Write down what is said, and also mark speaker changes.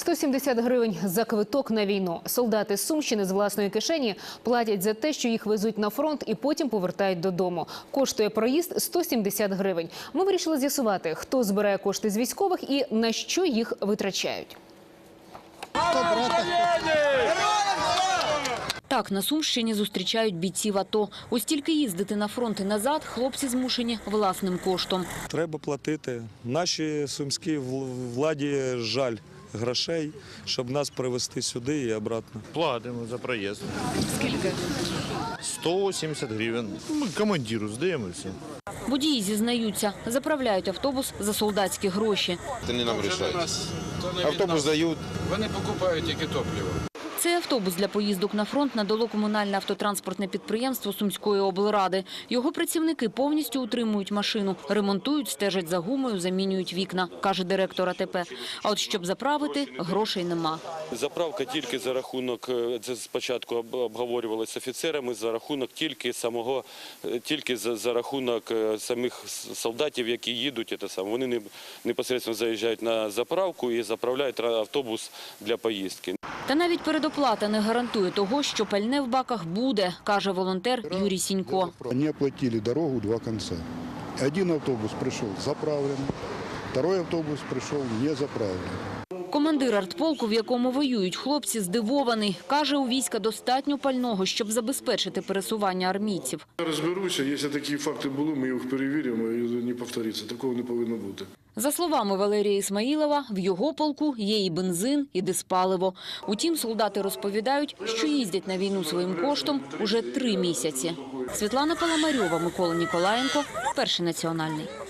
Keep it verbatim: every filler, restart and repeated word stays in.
Speaker 1: сто сімдесят гривень за квиток на війну. Солдати з Сумщини з власної кишені платять за те, що їх везуть на фронт і потім повертають додому. Коштує проїзд сто сімдесят гривень. Ми вирішили з'ясувати, хто збирає кошти з військових і на що їх витрачають.
Speaker 2: Так, на Сумщині зустрічають бійців АТО. Ось тільки їздити на фронт і назад хлопці змушені власним коштом.
Speaker 3: Треба платити. Нашій сумській владі жаль грошей, щоб нас привезти сюди і обратно.
Speaker 4: Платимо за проїзд.
Speaker 2: Скільки?
Speaker 4: сто сімдесят гривень. Ми командиру здаємо і все.
Speaker 2: Водії зізнаються, заправляють автобус за солдатські гроші.
Speaker 5: Це не нам рішають. Автобус дають.
Speaker 6: Вони покупають тільки топливо.
Speaker 2: Цей автобус для поїздок на фронт надало комунальне автотранспортне підприємство Сумської облради. Його працівники повністю утримують машину, ремонтують, стежать за гумою, замінюють вікна, каже директор АТП. А от щоб заправити, грошей нема.
Speaker 7: Заправка тільки за рахунок, це спочатку обговорювалося з офіцерами, за рахунок тільки самого, тільки за, за рахунок самих солдатів, які їдуть. Це саме. Вони непосередньо заїжджають на заправку і заправляють автобус для поїздки.
Speaker 2: Та навіть передоплата не гарантує того, що пальне в баках буде, каже волонтер Юрій Сінько.
Speaker 8: Вони оплатили дорогу два кінці. Один автобус прийшов заправлений, другий автобус прийшов не заправлений.
Speaker 2: Командир артполку, в якому воюють хлопці, здивований. Каже, у війська достатньо пального, щоб забезпечити пересування армійців.
Speaker 9: Розберуся, якщо такі факти були, ми їх перевіримо і не повториться. Такого не повинно бути.
Speaker 2: За словами Валерія Ісмаїлова, в його полку є і бензин, і диспаливо. Утім, солдати розповідають, що їздять на війну своїм коштом уже три місяці. Світлана Паламарьова, Микола Ніколаєнко, Перший національний.